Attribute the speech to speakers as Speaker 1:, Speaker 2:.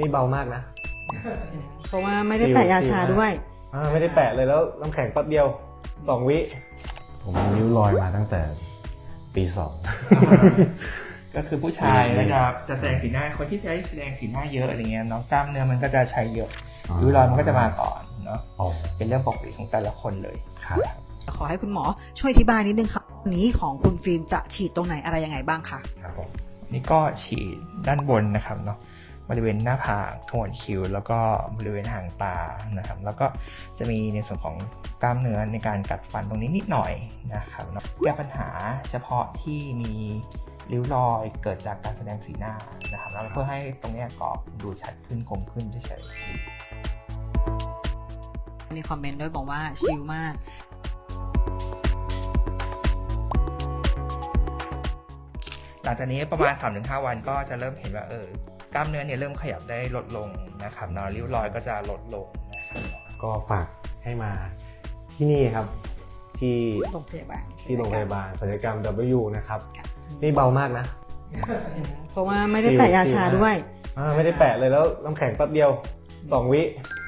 Speaker 1: นี่เบามากนะ
Speaker 2: เพราะว่าไม่ได้แปะยาชาด้วย
Speaker 1: ไม่ได้แปะเลยแล้วน้ำแข็งแป๊บเดียว2 วิ
Speaker 3: ผมมีริ้วรอยมาตั้งแต่ปี2
Speaker 4: ก็คือผู้ชายก็จะแสดงสีหน้าคนที่ใช้แสดงสีหน้าเยอะอะไรเงี้ยเนาะกล้ามเนื้อมันก็จะใช้เยอะริ้วรอยมันก็จะมาก่อนเนาะเป็นเรื่องปกติของแต่ละคนเลยครับ
Speaker 2: ขอให้คุณหมอช่วยอธิบายนิดนึงครับวันนี้ของคุณฟิล์มจะฉีดตรงไหนอะไรยังไงบ้างคะ
Speaker 4: ครับผมนี่ก็ฉีดด้านบนนะครับเนาะบริเวณหน้าผากขมวดคิ้วแล้วก็บริเวณหางตานะครับแล้วก็จะมีในส่วนของกล้ามเนื้อในการกัดฟันตรงนี้นิดหน่อยนะครับเนาะแก้ปัญหาเฉพาะที่มีริ้วรอยเกิดจากการแสดงสีหน้านะครับแล้วเพื่อให้ตรงนี้กรอบดูชัดขึ้นคมขึ้นเฉยๆ
Speaker 2: มีคอมเมนต์ด้วยบอกว่าชิลมาก
Speaker 4: หลังจากนี้ประมาณ 3-5 วันก็จะเริ่มเห็นว่ากล้ามเนื้อเนี่ยเริ่มขยับได้ลดลงนะครับเนาะริ้วรอยก็จะลดลงนะครับ
Speaker 1: ก็ฝากให้มาที่นี่ครับที่
Speaker 2: โรงพยาบาล
Speaker 1: โรงพยาบาลศัลยกรรม W นะครับนี่เบามากนะ
Speaker 2: เพราะว่าไม่ได้แปะยาชาด้วย
Speaker 1: ไม่ได้แปะเลยแล้วน้ำแข็งแป๊บเดียว2 วิ